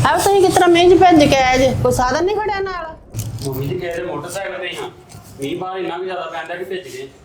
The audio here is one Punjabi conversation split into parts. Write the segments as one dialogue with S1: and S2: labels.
S1: अब तुम किस तरह मेज भज के आए जे कोई साधन नहीं खड़ा नाल
S2: मम्मी जी कह रहे मोटरसाइकिल पे हां मींह बाहर इतना भी ज्यादा पैंदा कि भेज गए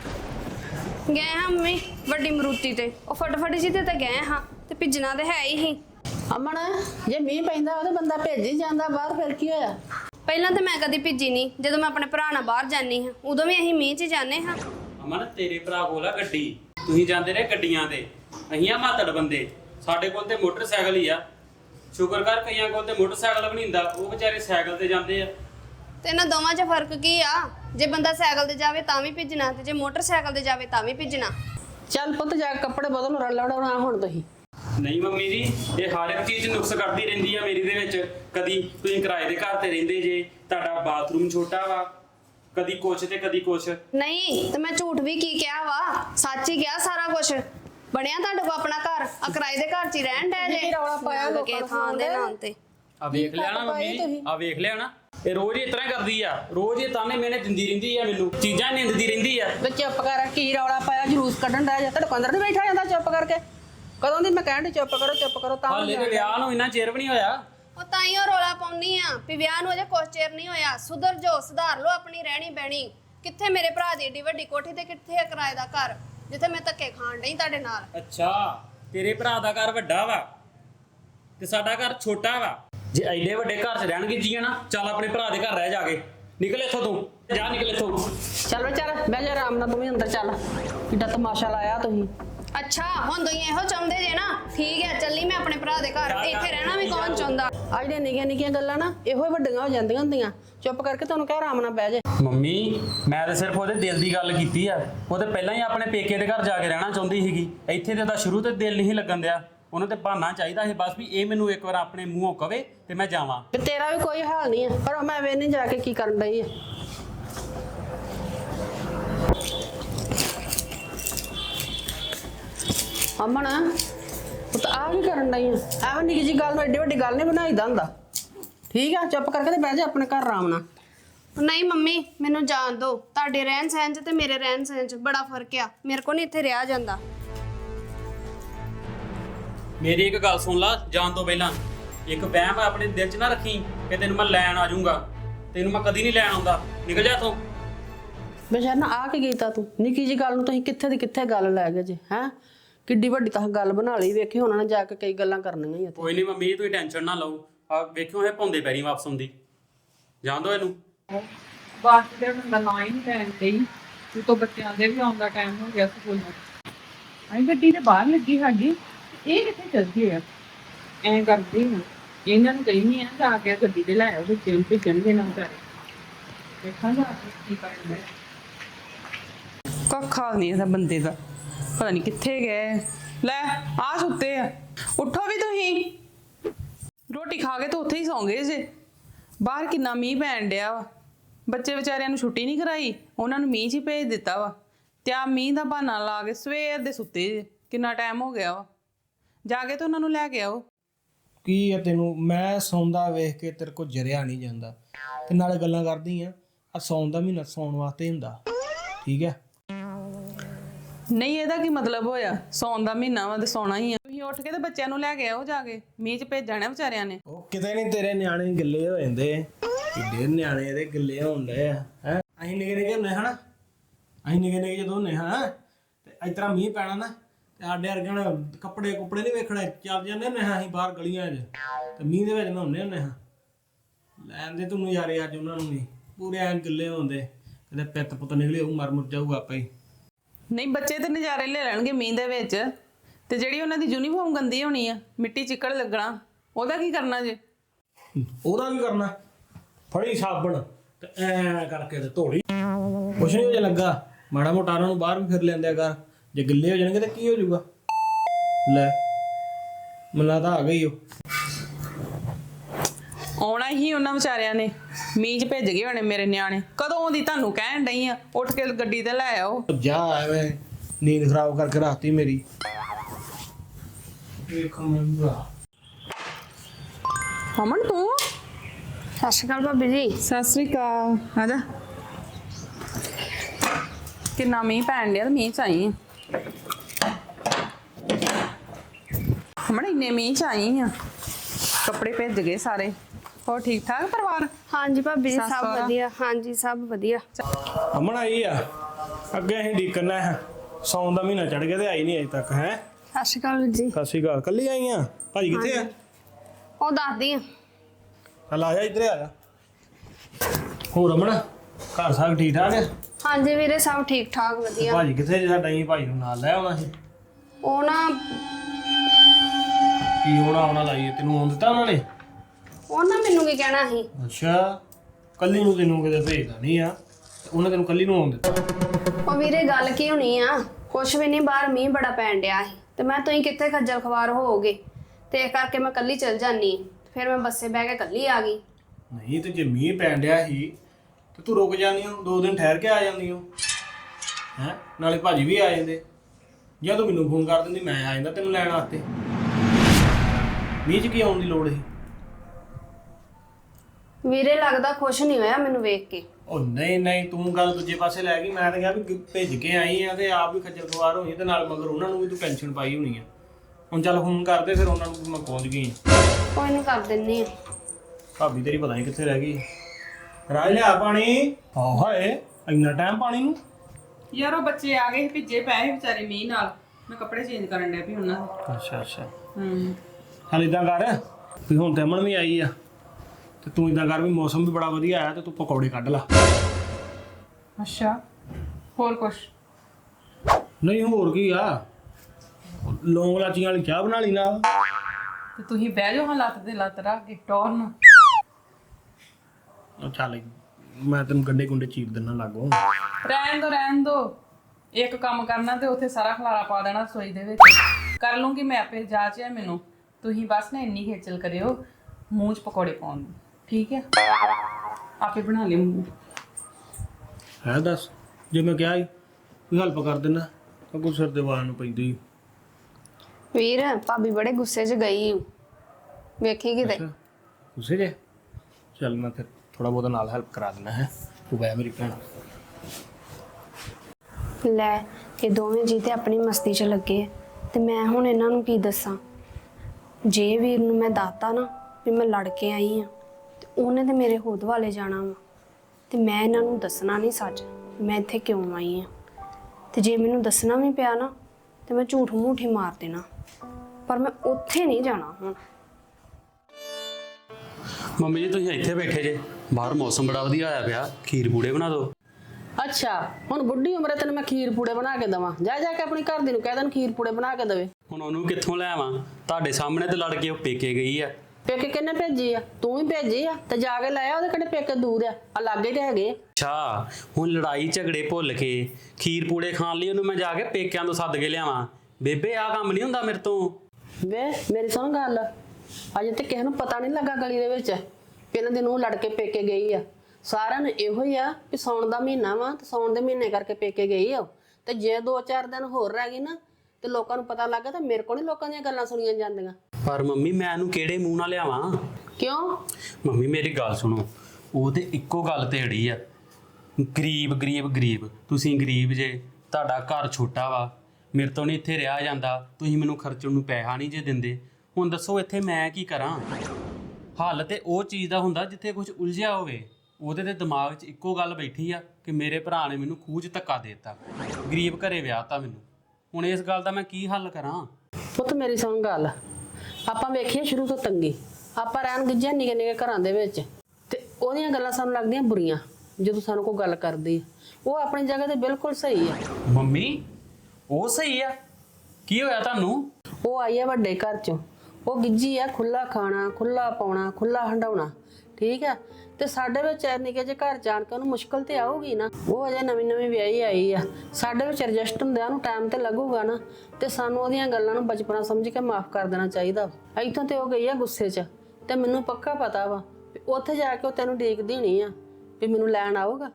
S3: गए हाँ मम्मी वड्डी मरूती ते ਉਹ फटाफट जी ते गए हाँ ते ਭਿੱਜਣਾ ਤੇ ਹੈ ਹੀ
S1: अमन जे मीह पैंदा ओह बंदा भेज ही जांदा बाहर फिर की होया
S3: ਪਹਿਲਾਂ ਤਾਂ ਮੈਂ ਕਦੀ ਭਿੱਜੀ ਨਹੀਂ ਜਦੋਂ ਮੈਂ ਆਪਣੇ ਭਰਾ ਨਾਲ ਬਾਹਰ ਜਾਂਦੀ ਹਾਂ ਉਦੋਂ ਵੀ ਅਸੀਂ ਮੀਂਹ 'ਚ ਜਾਂਦੇ ਹਾਂ
S2: ਅਮਨ ਤੇਰੇ ਭਰਾ ਕੋਲ ਆ ਗੱਡੀ ਤੁਸੀਂ ਜਾਂਦੇ ਰਹੇ ਗੱਡੀਆਂ ਤੇ ਅਸੀਂ ਆ ਮਾਤੜ ਬੰਦੇ ਸਾਡੇ ਕੋਲ ਤੇ ਮੋਟਰਸਾਈਕਲ ਹੀ ਆ ਸ਼ੁਕਰ ਕਰ ਕਈਆਂ ਕੋਲ ਤੇ ਮੋਟਰਸਾਈਕਲ ਵੀ ਨਹੀਂ ਹੁੰਦਾ ਉਹ ਵਿਚਾਰੇ ਸਾਈਕਲ ਤੇ ਜਾਂਦੇ ਆ
S3: ਤੇ ਇਹਨਾਂ ਦੋਵਾਂ 'ਚ ਫਰਕ ਕੀ ਆ ਜੇ ਬੰਦਾ ਸਾਈਕਲ ਤੇ ਜਾਵੇ ਤਾਂ ਵੀ ਭਿੱਜਣਾ ਤੇ ਜੇ ਮੋਟਰਸਾਈਕਲ ਤੇ ਜਾਵੇ ਤਾਂ ਵੀ ਭਿੱਜਣਾ
S1: ਚੱਲ ਪੁੱਤ ਜਾ ਕੇ ਕੱਪੜੇ ਬਦਲ ਲੜਾਉਣਾ ਹੁਣ ਤੁਸੀਂ
S2: ਨਹੀਂ ਮੰਮੀ ਜੀ ਇਹ ਹਰ ਇੱਕ ਚੀਜ਼ ਨੁਕਸ ਕਰਦੀ ਰਹਿੰਦੀ ਆ ਮੇਰੀ ਦੇ ਵਿੱਚ ਕਦੀ ਤੁਸੀਂ ਕਿਰਾਏ ਦੇ ਘਰ ਤੇ ਰਹਿੰਦੇ ਜੇ ਤੁਹਾਡਾ ਬਾਥਰੂਮ ਛੋਟਾ ਵਾ ਕਦੀ ਕੁਛ ਤੇ ਕਦੀ ਕੁਛ
S3: ਨਹੀਂ ਤੇ ਮੈਂ ਝੂਠ ਵੀ ਕੀ ਕਿਹਾ ਵਾ ਸੱਚ ਹੀ ਕਿਹਾ ਸਾਰਾ ਕੁਝ ਬਣਿਆ ਤੁਹਾਡੇ ਕੋ ਆਪਣਾ ਘਰ ਆ ਕਿਰਾਏ ਦੇ ਘਰ 'ਚ ਹੀ ਰਹਿਣ ਡੈ ਜੇ
S1: ਰੌਲਾ ਪਾਇਆ
S3: ਲੋਕਾਂ ਥਾਂ ਦੇ ਨਾਂ ਤੇ
S2: ਆ ਵੇਖ ਲਿਆ ਨਾ ਮੰਮੀ ਜੀ ਆ ਵੇਖ ਲਿਆ ਨਾ ਇਹ ਰੋਜ਼ ਹੀ ਇਸ ਤਰ੍ਹਾਂ ਕਰਦੀ ਆ ਰੋਜ਼ ਇਹ ਤਾਨੇ ਮੈਨੇ ਦਿੰਦੀ ਰਹਿੰਦੀ ਆ ਮੈਨੂੰ ਚੀਜ਼ਾਂ ਨਿੰਦਦੀ ਰਹਿੰਦੀ ਆ
S1: ਵੇ ਚੁੱਪ ਕਰ ਕੀ ਰੌਲਾ ਪਾਇਆ ਜਲੂਸ ਕੱਢਣ ਦਾ ਜੇ ਤੁਹਾਡੇ ਅੰਦਰ ਨਹੀਂ ਬੈਠਾ ਜਾਂਦਾ ਚੁੱਪ ਕਰਕੇ ਕਦੋਂ ਦੀ ਮੈਂ ਕਹਿਣ ਦੀ ਚੁੱਪ ਕਰੋ ਤਾਂ
S2: ਹਾਲੇ ਤੇ ਵਿਆਹ ਨੂੰ ਇੰਨਾ ਚਿਰ ਵੀ ਨਹੀਂ ਹੋਇਆ
S3: ਉਹ ਤਾਂ ਹੀ ਉਹ ਰੋਲਾ ਪਾਉਣੀ ਆ ਵੀ ਵਿਆਹ ਨੂੰ ਅਜੇ ਕੁਛ ਚਿਰ ਨਹੀਂ ਹੋਇਆ ਸੁਧਰ ਜੋ ਸੁਧਾਰ ਲੋ ਆਪਣੀ ਰਹਿਣੀ ਬਹਿਣੀ ਕਿੱਥੇ ਮੇਰੇ ਭਰਾ ਦੀ ਏਡੀ ਵੱਡੀ ਕੋਠੀ ਤੇ ਕਿੱਥੇ ਕਿਰਾਏ ਦਾ ਘਰ ਜਿੱਥੇ ਮੈਂ ਧੱਕੇ ਖਾਣ ਡਈ ਤੁਹਾਡੇ ਨਾਲ
S2: ਅੱਛਾ ਤੇਰੇ ਭਰਾ ਦਾ ਘਰ ਵੱਡਾ ਵਾ ਤੇ ਸਾਡਾ ਘਰ ਛੋਟਾ ਵਾ ਜੇ ਐਡੇ ਵੱਡੇ ਘਰ 'ਚ ਰਹਿਣਗੇ ਜੀਆਂ ਨਾ ਚੱਲ ਆਪਣੇ ਭਰਾ ਦੇ ਘਰ ਰਹਿ ਜਾ ਕੇ ਨਿਕਲ ਇੱਥੋਂ ਤੂੰ ਜਾ ਨਿਕਲ ਇੱਥੋਂ
S1: ਚੱਲ ਬਹਿ ਜਾ ਆਰਾਮ ਨਾਲ ਤੂੰ ਵੀ ਅੰਦਰ ਚੱਲ ਕਿੱਡਾ ਤਮਾਸ਼ਾ ਲਾਇਆ ਤੁਸੀਂ
S3: ਅੱਛਾ ਹੁਣ ਤੁਸੀਂ ਇਹੋ ਚਾਹੁੰਦੇ ਜੇ ਨਾ ਠੀਕ ਹੈ ਚੱਲੀ ਮੈਂ ਆਪਣੇ ਭਰਾ ਦੇ ਘਰ ਇੱਥੇ ਰਹਿਣਾ ਵੀ ਕੌਣ ਚਾਹੁੰਦਾ
S1: ਅੱਜ ਦੀਆਂ ਨਿੱਕੀਆਂ ਗੱਲਾਂ ਨਾ ਇਹੋ ਹੀ ਵੱਡੀਆਂ ਹੋ ਜਾਂਦੀਆਂ ਹੁੰਦੀਆਂ ਚੁੱਪ ਕਰਕੇ ਤੁਹਾਨੂੰ ਕਹਿ ਆਰਾਮ ਨਾਲ ਬਹਿ ਜਾ
S2: ਮੰਮੀ ਮੈਂ ਤਾਂ ਸਿਰਫ ਉਹਦੇ ਦਿਲ ਦੀ ਗੱਲ ਕੀਤੀ ਆ ਉਹ ਤੇ ਪਹਿਲਾਂ ਹੀ ਆਪਣੇ ਪੇਕੇ ਦੇ ਘਰ ਜਾ ਕੇ ਰਹਿਣਾ ਚਾਹੁੰਦੀ ਸੀਗੀ ਇੱਥੇ ਤੇ ਉਹਦਾ ਸ਼ੁਰੂ ਤੋਂ ਦਿਲ ਨਹੀਂ ਲੱਗਣ ਦਿਆ ਉਹਨੂੰ ਤੇ ਬਹਾਨਾ ਚਾਹੀਦਾ ਸੀ ਬਸ ਵੀ ਇਹ ਮੈਨੂੰ ਇੱਕ ਵਾਰ ਆਪਣੇ ਮੂੰਹੋਂ ਕਵੇ ਤੇ ਮੈਂ ਜਾਵਾਂ
S1: ਤੇ ਤੇਰਾ ਵੀ ਕੋਈ ਹਾਲ ਨਹੀਂ ਹੈ ਪਰ ਮੈਂ ਵੇਨੇ ਜਾ ਕੇ ਕੀ ਕਰਨ ਡਈ ਹੈ ਅਮਨ ਉਹ ਤਾਂ ਆ ਕੀ ਕਰਨ ਡਈ ਹੈ ਐਵੇਂ ਨਿੱਕੀ ਜੀ ਗੱਲ ਨੂੰ ਏਡੀ ਵੱਡੀ ਗੱਲ ਨਹੀਂ ਬਣਾਈਦਾ ਹੁੰਦਾ ਠੀਕ ਆ ਚੁੱਪ ਕਰਕੇ ਤੇ ਬਹਿ ਜਾ ਆਪਣੇ ਘਰ ਆਰਾਮ ਨਾਲ
S3: ਨਹੀਂ ਮੰਮੀ ਮੈਨੂੰ ਜਾਣ ਦਿਓ ਤੁਹਾਡੇ ਰਹਿਣ ਸਹਿਣ 'ਚ ਤੇ ਮੇਰੇ ਰਹਿਣ ਸਹਿਣ 'ਚ ਬੜਾ ਫਰਕ ਆ ਮੇਰੇ ਕੋਲ ਨਹੀਂ ਇੱਥੇ ਰਿਹਾ ਜਾਂਦਾ
S2: ਮੇਰੀ ਇੱਕ ਗੱਲ ਸੁਣ ਲਾ ਜਾਣ ਤੋਂ ਪਹਿਲਾਂ ਇੱਕ ਵਹਿਮ ਆਪਣੇ ਦਿਲ 'ਚ ਨਾ ਰੱਖੀ ਕਿ ਤੈਨੂੰ ਮੈਂ ਲੈਣ ਆ ਜਾਊਂਗਾ ਤੈਨੂੰ ਮੈਂ ਕਦੀ ਨਹੀਂ ਲੈਣ ਆਉਂਦਾ ਨਿਕਲ ਜਾ ਇੱਥੋਂ
S1: ਬੇਸ਼ਰਨਾ ਆ ਕੇ ਕੀਤਾ ਤੂੰ ਨਿੱਕੀ ਜੀ ਗੱਲ ਨੂੰ ਤੁਸੀਂ ਕਿੱਥੇ ਦੀ ਕਿੱਥੇ ਗੱਲ ਲੈ ਗਏ ਜੇ ਹੈਂ ਕਿੱਡੀ ਵੱਡੀ ਤਾਂ ਗੱਲ ਬਣਾ ਲਈ ਵੇਖੀ ਉਹਨਾਂ ਨੇ ਜਾ ਕੇ ਕਈ ਗੱਲਾਂ ਕਰਨੀਆਂ ਹੀ
S2: ਕੋਈ ਨਹੀਂ ਮੰਮੀ ਤੁਸੀਂ ਟੈਨਸ਼ਨ ਨਾ ਲਓ ਆ ਵੇਖਿਓ ਇਹ ਭੌਂਦੇ ਪੈਰੀ ਵਾਪਸ ਆਉਂਦੀ ਜਾਣ ਦੋ ਇਹਨੂੰ
S4: ਬਾਅਦ ਦੇ ਹੁੰਦਾ ਨਾ ਹੀ ਨਹੀਂ ਲੈਣ ਗਈ ਤੂੰ ਤੋਂ ਬੱਚਿਆਂ ਦੇ ਵੀ ਆਉਣ ਦਾ ਟਾਈਮ ਹੋ ਗਿਆ ਸਕੂਲ ਨੂੰ ਆਈ ਗੱਡੀ ਦੇ ਬਾਹਰ ਲੱਗੀ ਸਾਡੀ ਇਹ ਕਿੱਥੇ ਚੱਲਦੀ ਆ ਐਂ ਕਰਦੀ ਨਾ ਇਹਨਾਂ ਨੂੰ ਕਹਿੰਦੀ ਆ ਜਾ ਕੇ ਗੱਡੀ ਦੇ ਲੈ ਆਓ ਤੇ ਚੇਲ ਭੇਜਣਗੇ ਨਾ ਘਰੇ ਦੇਖਾਂ ਜਾ ਕੇ ਕੀ ਕਰਨਾ
S5: ਕੱਖਾ ਨਹੀਂ ਇਹਦਾ ਬੰਦੇ ਦਾ ਪਤਾ ਨਹੀਂ ਕਿੱਥੇ ਗਏ ਲੈ ਆ ਸੁੱਤੇ ਆ ਉੱਠੋ ਵੀ ਤੁਸੀਂ ਰੋਟੀ ਖਾ ਕੇ ਤਾਂ ਉੱਥੇ ਹੀ ਸੌਂ ਗਏ ਜੇ ਬਾਹਰ ਕਿੰਨਾ ਮੀਂਹ ਪੈਣ ਡਿਆ ਵਾ ਬੱਚੇ ਵਿਚਾਰਿਆਂ ਨੂੰ ਛੁੱਟੀ ਨਹੀਂ ਕਰਾਈ ਉਹਨਾਂ ਨੂੰ ਮੀਂਹ 'ਚ ਹੀ ਭੇਜ ਦਿੱਤਾ ਵਾ ਤੇ ਆ ਮੀਂਹ ਦਾ ਬਹਾਨਾ ਲਾ ਕੇ ਸਵੇਰ ਦੇ ਸੁੱਤੇ ਜੇ ਕਿੰਨਾ ਟਾਈਮ ਹੋ ਗਿਆ ਵਾ ਜਾ ਕੇ ਤਾਂ ਉਹਨਾਂ ਨੂੰ ਲੈ ਕੇ ਆਓ
S6: ਕੀ ਆ ਤੈਨੂੰ ਮੈਂ ਸੌਂਦਾ ਵੇਖ ਕੇ ਤੇਰੇ ਕੋਲ ਜਰਿਆ ਨਹੀਂ ਜਾਂਦਾ ਤੇ ਨਾਲੇ ਗੱਲਾਂ ਕਰਦੀ ਆ ਸੌਣ ਦਾ ਮਹੀਨਾ ਸੌਣ ਵਾਸਤੇ ਹੁੰਦਾ ਠੀਕ ਹੈ
S5: ਨਹੀਂ ਇਹਦਾ ਕੀ ਮਤਲਬ ਹੋਇਆ ਸੌਣ ਦਾ ਮਹੀਨਾ ਵਾ ਤੇ ਸੌਣਾ ਹੀ ਆ ਤੁਸੀਂ ਉੱਠ ਕੇ ਤੇ ਬੱਚਿਆਂ ਨੂੰ ਲੈ ਕੇ ਆਓ ਜਾ ਕੇ ਮੀਂਹ 'ਚ ਭੇਜਣਾ ਵਿਚਾਰਿਆਂ ਨੇ
S6: ਉਹ ਕਿਤੇ ਨਹੀਂ ਤੇਰੇ ਨਿਆਣੇ ਗਿੱਲੇ ਹੋ ਜਾਂਦੇ ਕਿੱਡੇ ਨਿਆਣੇ ਇਹਦੇ ਗਿੱਲੇ ਹੁੰਦੇ ਆ ਹੈ ਅਸੀਂ ਨਿੱਕੇ ਨਿੱਕੇ ਹੁੰਦੇ ਹਨਾ ਅਸੀਂ ਨਿੱਕੇ ਨਿੱਕੇ ਜਦੋਂ ਹੁੰਦੇ ਹਾਂ ਤੇ ਇਸ ਤਰ੍ਹਾਂ ਮੀਂਹ ਪੈਣਾ ਨਾ ਤੇ ਸਾਡੇ ਵਰਗਿਆਂ ਨੇ ਕੱਪੜੇ ਕੁੱਪੜੇ ਨਹੀਂ ਵੇਖਣੇ ਚੱਲ ਜਾਂਦੇ ਨੇ ਅਸੀਂ ਬਾਹਰ ਗਲੀਆਂ 'ਚ ਤੇ ਮੀਂਹ ਦੇ ਵਿੱਚ ਨਹਾਉਂਦੇ ਹੁੰਦੇ ਹਾਂ ਲੈਂਦੇ ਤੂੰ ਨਜ਼ਾਰੇ ਅੱਜ ਉਹਨਾਂ ਨੂੰ ਵੀ ਪੂਰੇ ਐਂ ਗਿੱਲੇ ਹੁੰਦੇ ਕਦੇ ਪਿੱਤ ਪੁੱਤ ਨਿਕਲੇ ਉਹ ਮਰ ਮੁਰ ਜਾਊਗਾ ਆਪੇ ਹੀ
S5: ਨਹੀਂ ਬੱਚੇ ਤੇ ਨਜ਼ਾਰੇ ਲੈ ਲੈਣਗੇ ਮੀਂਹ ਦੇ ਵਿੱਚ ਤੇ ਜਿਹੜੀ ਉਹਨਾਂ ਦੀ ਯੂਨੀਫਾਰਮ ਗੰਦੀ ਹੋਣੀ ਆ ਮਿੱਟੀ ਚਿੱਕੜ ਲੱਗਣਾ ਉਹਦਾ ਕੀ ਕਰਨਾ ਜੇ
S6: ਉਹਦਾ ਕੀ ਕਰਨਾ ਫੜੀ ਸਾਬਣ ਤੇ ਐ ਕਰਕੇ ਤੇ ਧੋੜੀ ਕੁਛ ਨਹੀਂ ਹੋ ਜਾ ਲੱਗਾ ਮਾੜਾ ਮੋਟਾ ਉਹਨਾਂ ਨੂੰ ਬਾਹਰ ਵੀ ਫਿਰ ਲੈਂਦਿਆ ਕਰ ਜੇ ਗਿੱਲੇ ਹੋ ਜਾਣਗੇ ਤੇ ਕੀ ਹੋ ਜਾਊਗਾ ਲੈ ਮੱਲਾ ਤਾਂ ਆ ਗਈ ਉਹ
S5: ਆਉਣਾ ਹੀ ਉਹਨਾਂ ਵਿਚਾਰਿਆਂ ਨੇ ਮੀਂਹ 'ਚ ਭੇਜ ਗਏ ਹੋਣੇ ਮੇਰੇ ਨਿਆਣੇ ਕਦੋਂ ਦੀ ਤੁਹਾਨੂੰ ਕਹਿਣ ਡਈ ਆ ਉੱਠ ਕੇ ਗੱਡੀ ਤੇ ਲੈ ਆਓ
S6: ਜਾ ਐਵੇਂ ਨੀਂਦ ਖਰਾਬ ਕਰਕੇ ਰਾਤੀ ਮੇਰੀ ਵੇਖਾਂ ਮੈਂ
S5: ਅਮਨ ਤੂੰ
S3: ਸਤਿ ਸ਼੍ਰੀ ਅਕਾਲ ਭਾਬੀ ਜੀ
S5: ਸਤਿ ਸ੍ਰੀ ਅਕਾਲ ਆ ਜਾ ਕਿੰਨਾ ਮੀਂਹ ਪੈਣ ਡਿਆ ਤੇ ਮੀਂਹ 'ਚ ਆਈ ਆ ਅਮਨ ਇੰਨੇ ਮੀਂਹ 'ਚ ਆਈ ਆ ਕੱਪੜੇ ਭੇਜ ਗਏ ਸਾਰੇ। ਹੋਰ ਠੀਕ ਠਾਕ ਪਰਿਵਾਰ?
S3: ਹਾਂਜੀ ਭਾਬੀ ਜੀ
S5: ਸੱਸ
S3: ਸਭ
S5: ਸਹੁਰਾ?
S3: ਵਧੀਆ। ਹਾਂਜੀ ਸਭ ਵਧੀਆ।
S6: ਅਮਨ ਆਈ ਆ ਅੱਗੇ ਅਸੀਂ ਡੀਕਣਾ ਹੈ ਸੌਣ ਦਾ ਮਹੀਨਾ ਚੜ ਗਿਆ ਤੇ ਆਈ ਨਹੀਂ ਅਜੇ ਤੱਕ ਹੈ।
S3: ਸਤਿ ਸ਼੍ਰੀ ਅਕਾਲ ਵੀਰ ਜੀ।
S6: ਸਤਿ ਸ਼੍ਰੀ ਅਕਾਲ। ਕੱਲੀ ਆਈ ਆ? ਭਾਜੀ ਕਿੱਥੇ ਆ?
S3: ਉਹ ਦੱਸਦੀ ਆ।
S6: ਚੱਲ ਆ ਜਾ ਇੱਧਰ ਆ ਜਾ। ਹੋਰ ਅਮਨ ਘਰ ਸਭ ਠੀਕ ਠਾਕ ਹੈ?
S3: ਹਾਂਜੀ ਵੀਰੇ ਸਭ ਠੀਕ ਠਾਕ ਵਧੀਆ।
S6: ਭਾਜੀ ਕਿੱਥੇ ਜੇ ਸਾਡਾ ਹੀ ਭਾਜੀ ਨੂੰ ਨਾਲ ਲੈ ਆਉਣਾ ਸੀ।
S3: ਉਹ ਨਾ
S6: ਕੀ ਹੋਣਾ ਆਉਣਾ ਲਾਈਏ ਤੈਨੂੰ ਆਉਣ ਦਿੱਤਾ ਉਹਨਾਂ ਨੇ?
S3: ਉਹਨਾਂ ਮੈਨੂੰ ਕੀ ਕਹਿਣਾ ਸੀ।
S6: ਅੱਛਾ ਕੱਲੀ ਨੂੰ ਤੈਨੂੰ ਕਿਤੇ ਭੇਜਦਾ ਨਹੀਂ ਆ ਤੇ ਉਹਨੇ ਤੈਨੂੰ ਕੱਲੀ ਨੂੰ ਆਉਣ ਦਿੱਤਾ।
S3: ਉਹ ਵੀਰੇ ਗੱਲ ਕੀ ਹੋਣੀ ਆ, ਕੁਛ ਵੀ ਨਹੀਂ, ਬਾਹਰ ਮੀਂਹ ਬੜਾ ਪੈਣ ਡਿਆ ਸੀ ਤੇ ਮੈਂ ਤੁਸੀਂ ਕਿੱਥੇ ਖੱਜਲ ਖਵਾਰ ਹੋਵੋਗੇ ਤੇ ਇਸ ਕਰਕੇ ਮੈਂ ਕੱਲੀ ਚਲ ਜਾਨੀ। ਫਿਰ ਮੈਂ ਬੱਸੇ ਬਹਿ ਕੇ ਕੱਲੀ ਆ ਗਈ।
S6: ਨਹੀਂ ਤੇ ਜੇ ਮੀਂਹ ਪੈਣ ਡਿਆ ਸੀ ਤੇ ਤੂੰ ਰੁਕ ਜਾਂਦੀ ਹੋ 2 ਦਿਨ ਠਹਿਰ ਕੇ ਆ ਜਾਂਦੀ ਹੋ ਹੈ। ਨਾਲੇ ਭਾਜੀ ਵੀ ਆ ਜਾਂਦੇ ਜਾਂ ਤੂੰ ਮੈਨੂੰ ਫੋਨ ਕਰ ਦਿੰਦੀ ਮੈਂ ਆ ਜਾਂਦਾ ਤੈਨੂੰ ਲੈਣ ਵਾਸਤੇ। ਮੀਂਹ 'ਚ ਕੀ ਆਉਣ ਦੀ ਲੋੜ ਸੀ?
S3: ਵੀਰੇ ਲੱਗਦਾ ਖੁਸ਼ ਨਹੀਂ ਹੋਇਆ ਮੈਨੂੰ ਵੇਖ ਕੇ।
S6: ਉਹ ਨਹੀਂ ਨਹੀਂ ਤੂੰ ਗੱਲ ਦੂਜੇ ਪਾਸੇ ਲੈ ਗਈ। ਮੈਂ ਤਾਂ ਕਿਹਾ ਵੀ ਭੇਜ ਕੇ ਆਈ ਆ ਤੇ ਆਪ ਵੀ ਖੱਜਲ ਖਵਾਰ ਹੋਈ ਤੇ ਨਾਲ ਮਗਰ ਉਹਨਾਂ ਨੂੰ ਵੀ ਤੂੰ ਟੈਨਸ਼ਨ ਪਾਈ ਹੋਣੀ ਆ। ਹੁਣ ਚੱਲ ਫੋਨ ਕਰਦੇ ਫਿਰ ਉਹਨਾਂ ਨੂੰ ਮੈਂ ਪਹੁੰਚ ਗਈ।
S3: ਕੋਈ ਨਹੀਂ ਕਰ ਦਿੰਨੀ ਆ।
S6: ਭਾਬੀ ਤੇਰੀ ਪਤਾ ਨਹੀਂ ਕਿੱਥੇ ਰਹਿ ਗਈ। ਰਾਜ ਲਿਆ ਪਾਣੀ। ਆਹ ਹਾਏ ਇੰਨਾ ਟਾਈਮ ਪਾਣੀ ਨੂੰ?
S5: ਯਾਰ ਉਹ ਬੱਚੇ ਆ ਗਏ ਭਿੱਜੇ ਪਏ ਵਿਚਾਰੇ ਮੀਂਹ ਨਾਲ, ਮੈਂ ਕੱਪੜੇ ਚੇਂਜ ਕਰਨ ਡਿਆ ਵੀ ਉਹਨਾਂ ਦੇ।
S6: ਅੱਛਾ ਅੱਛਾ
S5: ਹੂੰ।
S6: ਚੱਲ ਇਦਾਂ ਕਰ ਵੀ ਹੁਣ ਤੇ ਅਮਨ ਵੀ ਆਈ ਆ ਤੇ ਤੂੰ ਇਦਾਂ ਕਰ ਵੀ ਮੌਸਮ ਵੀ ਬੜਾ ਵਧੀਆ ਆਇਆ ਤੇ ਤੂੰ ਪਕੌੜੇ ਕੱਢ ਲਾ।
S5: ਅੱਛਾ ਹੋਰ ਕੁਛ?
S6: ਨਹੀਂ ਹੋਰ ਕੀ ਆ, ਲੌਂਗ ਲਾਚੀਆਂ ਵਾਲੀ ਚਾਹ ਬਣਾ ਲਈ ਨਾਲ।
S5: ਤੇ ਤੁਸੀਂ ਬਹਿ ਜਾਓ ਹਾਂ ਲੱਤ ਤੇ ਲੱਤ ਰੱਖ ਕੇ ਟੌਰਨ।
S6: ਉਹ ਚੱਲ ਮੈਂ ਤੈਨੂੰ ਗੰਡੇ ਗੁੰਡੇ ਚੀਰ ਦਿੰਦਾ ਲਾਗੋ।
S5: ਰਹਿਣ ਦੋ ਇੱਕ ਕੰਮ ਕਰਨਾ ਤੇ ਉੱਥੇ ਸਾਰਾ ਖਲਾਰਾ ਪਾ ਦੇਣਾ ਰਸੋਈ ਦੇ ਵਿੱਚ। ਕਰ ਲੂੰਗੀ ਮੈਂ ਆਪੇ, ਜਾਚਿਆ ਮੈਨੂੰ। ਤੁਸੀਂ ਬਸ ਨਾ ਇੰਨੀ ਖੇਚਲ ਕਰਿਓ ਮੂੰਹ 'ਚ ਪਕੌੜੇ ਪਾਉਣ ਦੀ, ਠੀਕ ਹੈ? ਆਪੇ ਬਣਾ ਲਿਓ।
S6: ਹੈ ਦੱਸ ਜੇ ਮੈਂ ਕਿਹਾ ਸੀ ਕੋਈ ਹੈਲਪ ਕਰ ਦਿੰਦਾ ਤਾਂ ਕੋਈ ਸਿਰ ਦੇ ਵਾਲਾਂ ਨੂੰ ਪੈਂਦੀ।
S3: ਵੀਰ ਭਾਬੀ ਬੜੇ ਗੁੱਸੇ 'ਚ ਗਈ ਓ। ਵੇਖੀ ਕਿਤੇ।
S6: ਗੁੱਸੇ ਜੇ? ਚੱਲ ਮੈਂ ਫਿਰ ਥੋੜਾ ਬਹੁਤਾ ਨਾਲ ਹੈਲਪ ਕਰਾ ਦਿੰਦਾ ਹੈ। ਤੂੰ ਬੈ ਮੇਰੀ ਭੈਣ।
S3: ਲੈ ਇਹ ਦੋਵੇਂ ਜੀ ਤੇ ਆਪਣੀ ਮਸਤੀ 'ਚ ਲੱਗੇ ਆ ਤੇ ਮੈਂ ਹੁਣ ਇਹਨਾਂ ਨੂੰ ਕੀ ਦੱਸਾਂ। ਜੇ ਵੀਰ ਨੂੰ ਮੈਂ ਦੱਸਤਾ ਨਾ ਵੀ ਮੈਂ ਲੜ ਕੇ ਆਈ ਆ ਤੇ ਉਹਨੇ ਤੇ ਮੇਰੇ ਹੋਦ ਵਾਲੇ ਜਾਣਾ ਵਾ ਤੇ ਮੈਂ ਇਹਨਾਂ ਨੂੰ ਦੱਸਣਾ ਨਹੀਂ ਸੱਚ ਮੈਂ ਇੱਥੇ ਕਿਉਂ ਆਈ ਆ। ਤੇ ਜੇ ਮੈਨੂੰ ਦੱਸਣਾ ਵੀ ਪਿਆ ਨਾ ਤੇ ਮੈਂ ਝੂਠ ਮੂਠੀ ਮਾਰ ਦੇਣਾ, ਪਰ ਮੈਂ ਉੱਥੇ ਨਹੀਂ ਜਾਣਾ ਹੁਣ।
S2: ਮੰਮੀ ਜੀ ਤੁਸੀਂ ਇੱਥੇ ਬੈਠੇ ਜੇ, ਬਾਹਰ ਮੌਸਮ ਬੜਾ ਵਧੀਆ ਹੋਇਆ ਪਿਆ, ਖੀਰ ਪੂੜੇ ਬਣਾ ਦਿਓ।
S1: ਅੱਛਾ ਹੁਣ ਬੁੱਢੀ ਉਮਰੇ ਤੈਨੂੰ ਮੈਂ ਖੀਰ ਪੂੜੇ ਬਣਾ ਕੇ ਦੇਵਾਂ? ਜਾ ਜਾ ਕੇ ਆਪਣੀ ਘਰ ਦੀ ਨੂੰ ਕਹਿ ਦੇਣ ਖੀਰ ਪੂੜੇ ਬਣਾ ਕੇ ਦੇਵੇ।
S2: ਹੁਣ ਉਹਨੂੰ ਕਿੱਥੋਂ ਲੈ ਆਵਾਂ? ਤੁਹਾਡੇ ਸਾਹਮਣੇ ਤੇ ਲੜ ਕੇ ਉਹ ਪੇਕੇ ਗਈ ਆ।
S1: ਪੇਕੇ ਕਿੰਨੇ ਭੇਜੀ ਆ? ਤੂੰ ਹੀ ਭੇਜੀ ਆ ਤੇ ਜਾ ਕੇ ਲੈ ਆ। ਉਹਦੇ ਕਿਹੜੇ ਪੇਕੇ ਦੂਰ ਆ ਲਾਗੇ ਤੇ ਹੈਗੇ।
S2: ਅੱਛਾ ਹੁਣ ਲੜਾਈ ਝਗੜੇ ਭੁੱਲ ਕੇ ਖੀਰ ਪੂੜੇ ਖਾਣ ਲਈ ਉਹਨੂੰ ਮੈਂ ਜਾ ਕੇ ਪੇਕਿਆਂ ਤੋਂ ਸੱਦ ਕੇ ਲਿਆਵਾਂ? ਬੇਬੇ ਆਹ ਕੰਮ ਨਹੀਂ ਹੁੰਦਾ ਮੇਰੇ ਤੋਂ।
S1: ਵੇ ਮੇਰੀ ਸੁਣ ਗੱਲ, ਅਜੇ ਤੇ ਕਿਸੇ ਨੂੰ ਪਤਾ ਨਹੀਂ ਲੱਗਾ ਗਲੀ ਦੇ ਵਿੱਚ ਕਿ ਇਹਨਾਂ ਦੀ ਨੂੰਹ ਲੜ ਕੇ ਪੇਕੇ ਗਈ ਆ। ਸਾਰਿਆਂ ਨੂੰ ਇਹੋ ਹੀ ਆ ਕਿ ਸੌਣ ਦਾ ਮਹੀਨਾ ਵਾ ਤੇ ਸੌਣ ਦੇ ਮਹੀਨੇ ਕਰਕੇ ਪੇਕੇ ਗਈ ਆ। ਤੇ ਜੇ 2-4 ਦਿਨ ਹੋਰ ਰਹਿ ਗਈ ਨਾ ਤੇ ਲੋਕਾਂ ਨੂੰ ਪਤਾ ਲੱਗਾ ਤਾਂ ਮੇਰੇ ਕੋਲ ਨਹੀਂ ਲੋਕਾਂ ਦੀਆਂ ਗੱਲਾਂ ਸੁਣੀਆਂ ਜਾਂਦੀਆਂ।
S2: ਪਰ ਮੰਮੀ ਮੈਂ ਇਹਨੂੰ ਕਿਹੜੇ ਮੂੰਹ ਨਾਲ ਲਿਆਵਾਂ?
S1: ਕਿਉਂ?
S2: ਮੰਮੀ ਮੇਰੀ ਗੱਲ ਸੁਣੋ, ਉਹ ਤੇ ਇੱਕੋ ਗੱਲ ਤੇ ਅੜੀ ਆ, ਗਰੀਬ ਗਰੀਬ ਗਰੀਬ। ਤੁਸੀਂ ਗਰੀਬ ਜੇ, ਤੁਹਾਡਾ ਘਰ ਛੋਟਾ ਵਾ, ਮੇਰੇ ਤੋਂ ਨਹੀਂ ਇੱਥੇ ਰਿਹਾ ਜਾਂਦਾ, ਤੁਸੀਂ ਮੈਨੂੰ ਖਰਚਣ ਨੂੰ ਪੈਸਾ ਨਹੀਂ ਜੇ ਦਿੰਦੇ। ਹੁਣ ਦੱਸੋ ਇੱਥੇ ਮੈਂ ਕੀ ਕਰਾਂ? ਹੱਲ ਤੇ ਉਹ ਚੀਜ਼ ਦਾ ਹੁੰਦਾ ਜਿੱਥੇ ਕੁਝ ਉਲਝਿਆ ਹੋਵੇ। ਉਹਦੇ ਤੇ ਦਿਮਾਗ 'ਚ ਇੱਕੋ ਗੱਲ ਬੈਠੀ ਆ ਕਿ ਮੇਰੇ ਭਰਾ ਨੇ ਮੈਨੂੰ ਖੂਹ 'ਚ ਧੱਕਾ ਦੇ ਦਿੱਤਾ, ਗਰੀਬ ਘਰੇ ਵਿਆਹਤਾ ਮੈਨੂੰ। ਹੁਣ ਇਸ ਗੱਲ ਦਾ ਮੈਂ ਕੀ ਹੱਲ ਕਰਾਂ?
S1: ਪੁੱਤ ਮੇਰੀ ਸੁਣ ਗੱਲ, ਆਪਾਂ ਵੇਖੀਏ ਸ਼ੁਰੂ ਤੋਂ ਤੰਗੀ। ਆਪਾਂ ਰਹਿਣ ਗਿੱਜੇ ਨਿੱਕੇ ਨਿੱਕੇ ਘਰਾਂ ਦੇ ਵਿੱਚ ਤੇ ਉਹਦੀਆਂ ਗੱਲਾਂ ਸਾਨੂੰ ਲੱਗਦੀਆਂ ਬੁਰੀਆਂ। ਜਦੋਂ ਸਾਨੂੰ ਕੋਈ ਗੱਲ ਕਰਦੀ ਉਹ ਆਪਣੀ ਜਗ੍ਹਾ ਤੇ ਬਿਲਕੁਲ ਸਹੀ ਆ।
S2: ਮੰਮੀ ਉਹ ਸਹੀ ਆ? ਕੀ ਹੋਇਆ ਤੁਹਾਨੂੰ?
S1: ਉਹ ਆਈ ਆ ਵੱਡੇ ਘਰ ਚੋਂ, ਉਹ ਗਿੱਜੀ ਆ ਖੁੱਲਾ ਖਾਣਾ, ਖੁੱਲਾ ਪਾਉਣਾ, ਖੁੱਲਾ ਹੰਡਾਉਣਾ, ਠੀਕ ਆ। ਤੇ ਸਾਡੇ ਵਿੱਚ ਨਿੱਕੇ ਜਿਹੇ ਘਰ ਜਾਣ ਕੇ ਉਹਨੂੰ ਮੁਸ਼ਕਲ ਤੇ ਆਊਗੀ ਨਾ। ਉਹ ਅਜੇ ਨਵੀਂ ਵਿਆਹੀ ਆਈ ਆ, ਸਾਡੇ ਵਿੱਚ ਐਡਜਸਟ ਹੁੰਦਿਆਂ ਉਹਨੂੰ ਟਾਈਮ ਤੇ ਲੱਗੂਗਾ ਨਾ। ਤੇ ਸਾਨੂੰ ਉਹਦੀਆਂ ਗੱਲਾਂ ਨੂੰ ਬਚਪਨਾ ਸਮਝ ਕੇ ਮਾਫ ਕਰ ਦੇਣਾ ਚਾਹੀਦਾ। ਇੱਥੋਂ ਤੇ ਉਹ ਗਈ ਆ ਗੁੱਸੇ 'ਚ ਤੇ ਮੈਨੂੰ ਪੱਕਾ ਪਤਾ ਵਾ ਵੀ ਉੱਥੇ ਜਾ ਕੇ ਉਹ ਤੈਨੂੰ ਡੀਕਦੀ ਹੋਣੀ ਆ ਵੀ ਮੈਨੂੰ ਲੈਣ ਆਊਗਾ।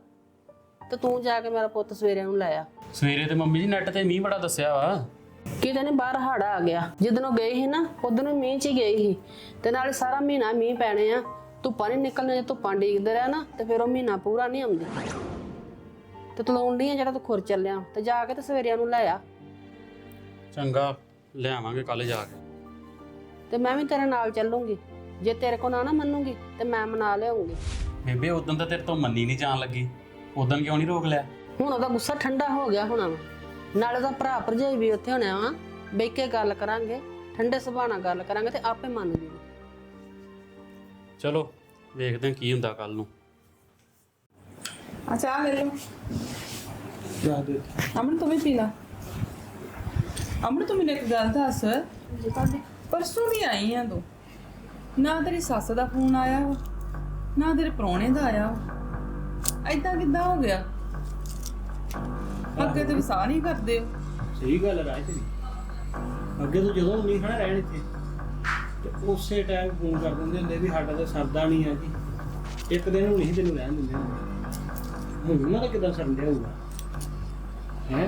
S1: ਤੇ ਤੂੰ ਜਾ ਕੇ ਮੇਰਾ ਪੁੱਤ ਸਵੇਰੇ ਨੂੰ ਲੈ ਆ।
S2: ਸਵੇਰੇ ਤੇ ਮੰਮੀ ਜੀ ਨੈਟ ਤੇ ਮੀਂਹ ਬੜਾ ਦੱਸਿਆ ਵਾ।
S1: ਕਿਤੇ ਨੇ ਬਾਹਰ ਹਾੜਾ ਆ ਗਿਆ। ਜਦੋਂ ਉਹ ਗਈ ਸੀ ਨਾ ਉਦੋਂ ਨੂੰ ਮੀਂਹ 'ਚ ਹੀ ਗਈ ਸੀ ਤੇ ਨਾਲੇ ਸਾਰਾ ਮਹੀਨਾ ਮੀਂਹ ਪੈਣੇ ਆ। ਧੁੱਪਾਂ ਨਹੀਂ ਨਿਕਲਣੇ, ਜੇ ਧੁੱਪਾਂ ਡੀਕਦੇ ਰਹਿ ਨਾ ਤੇ ਫਿਰ ਉਹ ਮਹੀਨਾ ਪੂਰਾ ਨਹੀਂ ਆਉਂਦੀ। ਤੇ ਤਲਾਉਂਦੀ ਆ ਜਿਹੜਾ ਤੂੰ ਖੁਰ ਚੱਲਿਆ ਤੇ ਜਾ ਕੇ ਤੇ ਸਵੇਰਿਆਂ ਨੂੰ ਲੈ ਆ।
S2: ਚੰਗਾ ਲਿਆਵਾਂਗੇ ਕੱਲ ਜਾ ਕੇ।
S1: ਤੇ ਮੈਂ ਵੀ ਤੇਰੇ ਨਾਲ ਚੱਲੂੰਗੀ। ਜੇ ਤੇਰੇ ਕੋ ਨਾ ਮੰਨੂਗੀ ਤੇ ਮੈਂ ਮਨਾ ਲਿਆਉਂਗੀ।
S2: ਬੇਬੇ ਉਦੋਂ ਤਾਂ ਤੇਰੇ ਤੋਂ ਮੰਨੀ ਨਹੀਂ ਜਾਣ ਲੱਗੀ, ਉਦੋਂ ਕਿਉਂ ਨਹੀਂ ਰੋਕ ਲਿਆ?
S1: ਹੁਣ ਉਹਦਾ ਗੁੱਸਾ ਠੰਡਾ ਹੋ ਗਿਆ ਹੋਣਾ ਵਾ, ਨਾਲੇ ਉਹਦਾ ਭਰਾ ਭਰਜਾਈ ਵੀ ਉੱਥੇ ਹੋਣਾ ਵਾ, ਬਹਿ ਕੇ ਗੱਲ ਕਰਾਂਗੇ, ਠੰਡੇ ਸੁਭਾਅ ਨਾਲ ਗੱਲ ਕਰਾਂਗੇ ਤੇ ਆਪੇ ਮੰਨ ਜੂਗੀ।
S2: ਚਲੋ ਵੇਖਦੇ ਹਾਂ ਕੀ ਹੁੰਦਾ ਕੱਲ ਨੂੰ।
S5: ਆ ਚਾਹ ਲੈ ਲਓ।
S6: ਜਾ ਦੇ
S5: ਅਮਨ ਤੂੰ ਵੀ ਪੀ ਲਾ। ਅਮਨ ਤੂੰ ਮੈਨੂੰ ਇੱਕ ਗੱਲ ਦੱਸ, ਪਰਸੋਂ ਦੀ ਆਈ ਆ ਤੂੰ, ਨਾ ਤੇਰੀ ਸੱਸ ਦਾ ਫੋਨ ਆਇਆ ਵਾ, ਨਾ ਤੇਰੇ ਪ੍ਰਾਹੁਣੇ ਦਾ ਆਇਆ ਵਾ। ਏਦਾਂ ਕਿੱਦਾਂ ਹੋ ਗਿਆ? ਅੱਗੇ ਤੇ ਵਿਸਾਹ ਨਹੀਂ ਕਰਦੇ ਹੋ।
S6: ਸਹੀ ਗੱਲ ਹੈ ਰਾਜ ਤੇਰੀ। ਅੱਗੇ ਤੋਂ ਜਦੋਂ ਨਹੀਂ ਖੜਾ ਰਹਿਣ ਇੱਥੇ ਤੇ ਉਸੇ ਟਾਈਮ ਫੋਨ ਕਰ ਦਿੰਦੇ ਹੁੰਦੇ ਵੀ ਸਾਡਾ ਤਾਂ ਸਰਦਾ ਨਹੀਂ ਹੈ ਜੀ, ਇੱਕ ਦਿਨ ਨੂੰ ਨਹੀਂ ਤੈਨੂੰ ਰਹਿਣ ਦਿੰਦੇ ਹੁੰਦੇ। ਹੁਣ ਉਹਨਾਂ ਦਾ ਕਿੱਦਾਂ ਸਰਨ ਡਿਆ ਹੋਊਗਾ ਹੈ?